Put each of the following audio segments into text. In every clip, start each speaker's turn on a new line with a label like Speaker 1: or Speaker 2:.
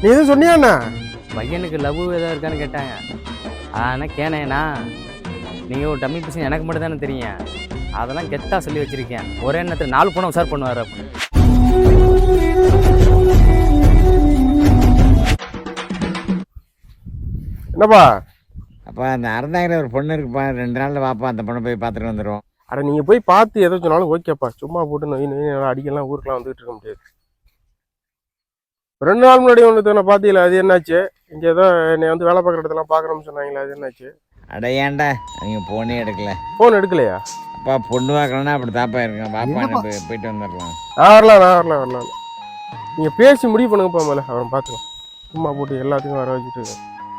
Speaker 1: நீ எதுவும் சொன்னியாண்ணா?
Speaker 2: பையனுக்கு லவ் ஏதாவது இருக்கான்னு கேட்டாங்க. ஆனால் கேனேண்ணா நீங்கள் ஒரு டம்மி பீஸ் எனக்கு மட்டும் தானே தெரியும். அதெல்லாம் கெத்தாக சொல்லி வச்சுருக்கேன். ஒரே நேரத்தில் 4 பொண்ணை உசார் பண்ணுவார். அப்போ
Speaker 1: என்னப்பா?
Speaker 3: அப்போ அந்த அறந்தாங்கிற ஒரு பொண்ணு இருக்குப்பா, 2 நாளில் வாப்பா, அந்த பொண்ணை போய் பார்த்துட்டு வந்துடுவோம்.
Speaker 1: அட நீங்கள் போய் பார்த்து எதோ சொன்னாலும் ஓகேப்பா. சும்மா போட்டு நோய் அடிக்கலாம் ஊருக்கெலாம் வந்துகிட்டு இருக்க முடியாது. 2 நாள் முன்னாடி ஒன்று நான் பார்த்தீங்களா? அது என்னாச்சு? இங்கே ஏதோ என்னை வந்து வேலை பார்க்குற இடத்துலாம் பார்க்குறோம்னு சொன்னாங்களே, அது என்னாச்சு?
Speaker 3: அட ஏன்டா அவங்க ஃபோனே எடுக்கல.
Speaker 1: ஃபோன் எடுக்கலையா?
Speaker 3: அப்பா பொண்ணு பார்க்கலன்னா அப்படி தாப்பா இருக்கேன். வாப்பா போயிட்டு வந்துடலாம்.
Speaker 1: வரலாம். நீங்கள் பேசி முடிவு பண்ணுங்கப்பா. மேலே அவன் பார்த்துக்கலாம். சும்மா போட்டு எல்லாத்துக்கும் வர வச்சுட்டு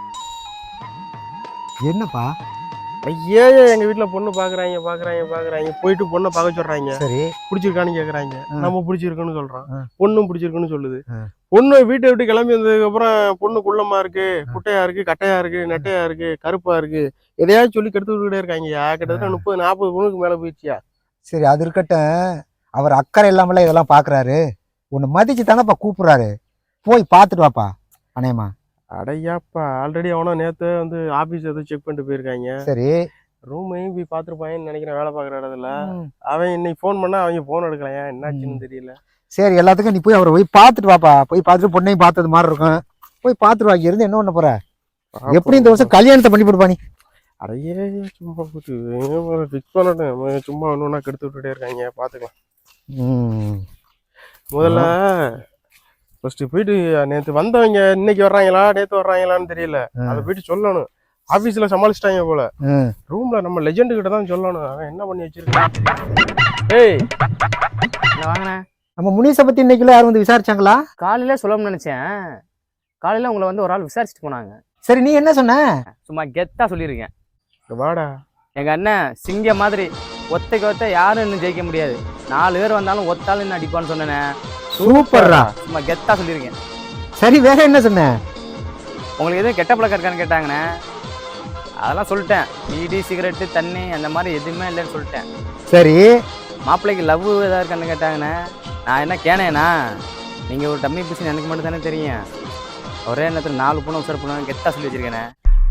Speaker 4: என்னப்பா?
Speaker 1: ஐயா எங்கள் வீட்டில் பொண்ணு பார்க்குறாங்க. போயிட்டு பொண்ணை பார்க்க சொல்கிறாங்க.
Speaker 4: சரி,
Speaker 1: பிடிச்சிருக்கான்னு கேட்குறாங்க. நம்ம பிடிச்சிருக்குன்னு சொல்கிறோம். பொண்ணும் பிடிச்சிருக்குன்னு சொல்லுது. பொண்ணு வீட்டை விட்டு கிளம்பி வந்ததுக்கப்புறம் பொண்ணு குள்ளமா இருக்கு, குட்டையா இருக்கு, கட்டையா இருக்கு, நெட்டையா இருக்கு, கருப்பா இருக்கு, எதையாவது சொல்லி கெடுத்து விட்டுக்கிட்டே இருக்காங்கய்யா. கிட்டத்தட்ட 30-40 பொண்ணுக்கு மேலே போயிடுச்சியா.
Speaker 4: சரி, அது இருக்கட்டும். அவர் அக்கறை இல்லாமல இதெல்லாம் பார்க்குறாரு. உன்னை மதிச்சு தானப்பா கூப்பிட்றாரு. போய் பார்த்துட்டு வாப்பா. அனேமா
Speaker 1: அடையாப்பா, ஆல்ரெடி அவனா நேற்று வந்து ஆஃபீஸ் எதுவும் செக் பண்ணிட்டு போயிருக்காங்க.
Speaker 4: சரி,
Speaker 1: ரூமையும் போய் பார்த்துருப்பாங்கன்னு நினைக்கிறேன். வேலை பார்க்குற இடத்துல அவன் இன்னைக்கு ஃபோன் பண்ணா அவங்க ஃபோன் எடுக்கலையா, என்னாச்சுன்னு தெரியல.
Speaker 4: சரி, எல்லாத்துக்கும் நீ போய் அவரை போய் பார்த்துட்டு வாப்பா. போய் பார்த்துட்டு பொண்ணையும் பார்த்தது மாதிரி இருக்கும். போய் பார்த்துட்டு வா. இருந்து என்ன பண்ண போற? எப்படி இந்த வருஷம் கல்யாணத்தை பண்ணி போடுப்பா நீ?
Speaker 1: அடையே சும்மா போட்டு ஃபிக்ஸ் பண்ணட்டும். சும்மா ஒன்று கெடுத்து விட்டுட்டே இருக்காங்க. பார்த்துக்கலாம். முதல்ல ஃபர்ஸ்ட் போயிட்டு நேற்று வந்தவங்க இன்னைக்கு வர்றாங்களா நேற்று வர்றாங்களான்னு தெரியல. அதை போயிட்டு சொல்லணும். ஆஃபீஸில் சமாளிச்சிட்டாங்க போல. ரூம்ல நம்ம லெஜெண்டு கிட்ட தான் சொல்லணும். அவன் என்ன பண்ணி வச்சிருக்கான். ஏய்
Speaker 2: வாங்கினேன்.
Speaker 4: நம்ம முனிசை பத்தி இன்னைக்குள்ள யாரும் வந்து விசாரிச்சாங்களா?
Speaker 2: காலையில் சொல்லணும்னு நினச்சேன். காலையில் உங்களை வந்து ஒரு ஆள் விசாரிச்சுட்டு போனாங்க.
Speaker 4: சரி, நீ என்ன சொன்ன?
Speaker 2: சும்மா கெத்தாக சொல்லியிருக்கேன்.
Speaker 1: வாடா,
Speaker 2: எங்கள் அண்ணன் சிங்கம் மாதிரி ஒத்தைக்கு ஒத்த யாரும் இன்னும் ஜெயிக்க முடியாது. 4 பேர் வந்தாலும் ஒத்தாலும் இன்னும் அடிப்பான்னு சொன்னேனே.
Speaker 4: சூப்பர்ரா.
Speaker 2: சும்மா கெத்தாக சொல்லியிருக்கேன்.
Speaker 4: சரி, வேற என்ன சொன்ன?
Speaker 2: உங்களுக்கு எதுவும் கெட்ட பழக்கம் இருக்கான்னு கேட்டாங்கண்ணே. அதெல்லாம் சொல்லிட்டேன். பீடி, சிகரெட்டு, தண்ணி அந்த மாதிரி எதுவுமே இல்லைன்னு சொல்லிட்டேன்.
Speaker 4: சரி,
Speaker 2: மாப்பிள்ளைக்கு லவ் எதாவது இருக்கான்னு கேட்டாங்கண்ணே. நான் என்ன கேனேண்ணா, நீங்கள் ஒரு டம்மி பீஸ் எனக்கு மட்டும் தானே தெரியும். ஒரே நேரத்தில் 4 பொண்ணு உசார் பண்ணுவாங்க. கெத்தாக சொல்லி வச்சிருக்கேண்ணே.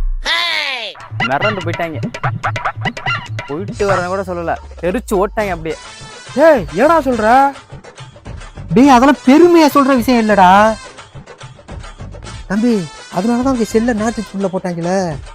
Speaker 2: மிரண்டு போயிட்டாங்க. போயிட்டு வரேன்னு கூட சொல்லலை, தெரிச்சு ஓட்டாங்க அப்படியே.
Speaker 1: ஏய் ஏடா சொல்ற?
Speaker 4: டேய், அதெல்லாம் பெருமையா சொல்ற விஷயம் இல்லடா தம்பி. அதனாலதான் அவங்க செல்ல நாட்டுக்குள்ள போட்டாங்களே.